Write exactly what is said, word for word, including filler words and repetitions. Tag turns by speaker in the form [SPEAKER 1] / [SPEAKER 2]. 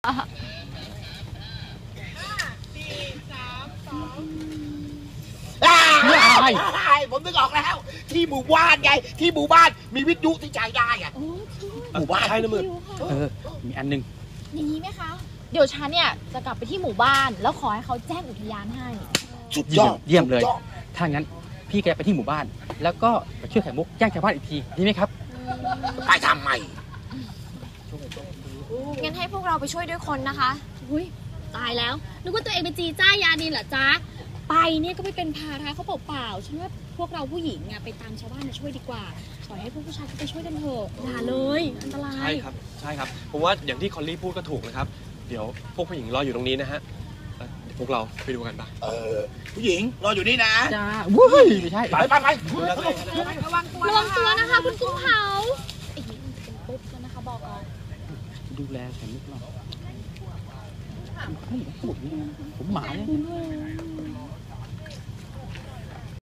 [SPEAKER 1] สี่สามสองผมนึกออกแล้วที่หมู่บ้านไงที่หมู่บ้านมีวิทยุที่จ่ายได้อะหมู่บ้านใช่นะมึง
[SPEAKER 2] เออมีอันนึง
[SPEAKER 3] อย่างนี้ไหมคะเดี๋ยวฉันเนี่ยจะกลับไปที่หมู่บ้านแล้วขอให้เขาแจ้งอุทยานให้
[SPEAKER 1] สุดยอด
[SPEAKER 2] เยี่ยมเลยถ้างั้นพี่แกไปที่หมู่บ้านแล้วก็ไปช่วยไข่มุกแจ้งชาวบ้านอีกทีดีไหมครับ
[SPEAKER 1] ไปทำไม
[SPEAKER 3] งั้นให้พวกเราไปช่วยด้วยคนนะคะ
[SPEAKER 4] อุ้ยตายแล้วนึกว่าตัวเองเป็นจีจ้ายานินเหรอจ๊ะไปเนี่ยก็ไม่เป็นภาระเขาเปล่าๆฉันว่าพวกเราผู้หญิงอะไปตามชาวบ้านมาช่วยดีกว่าปล่อยให้พวกผู้ชายไปช่วยกันเถอะอย่าเลยอันตราย
[SPEAKER 5] ใช่ครับใช่ครับผมว่าอย่างที่คอลลี่พูดก็ถูกนะครับเดี๋ยวพวกผู้หญิงรออยู่ตรงนี้นะฮะพวกเราไปดูกันปะ
[SPEAKER 1] เออผู้หญิงรออยู่นี่นะ
[SPEAKER 2] จ้าวุ้ยไม่ใช่
[SPEAKER 1] ไปไปไ
[SPEAKER 3] ประวังตัว
[SPEAKER 4] ระวังตัวนะคะคุณกุ้งเผา
[SPEAKER 3] ไอ้นี่มันเป็นปุ๊บแล้วนะคะบอกเอา
[SPEAKER 2] ดูแลไข่มุกหน่อยผมหมาเนี่ย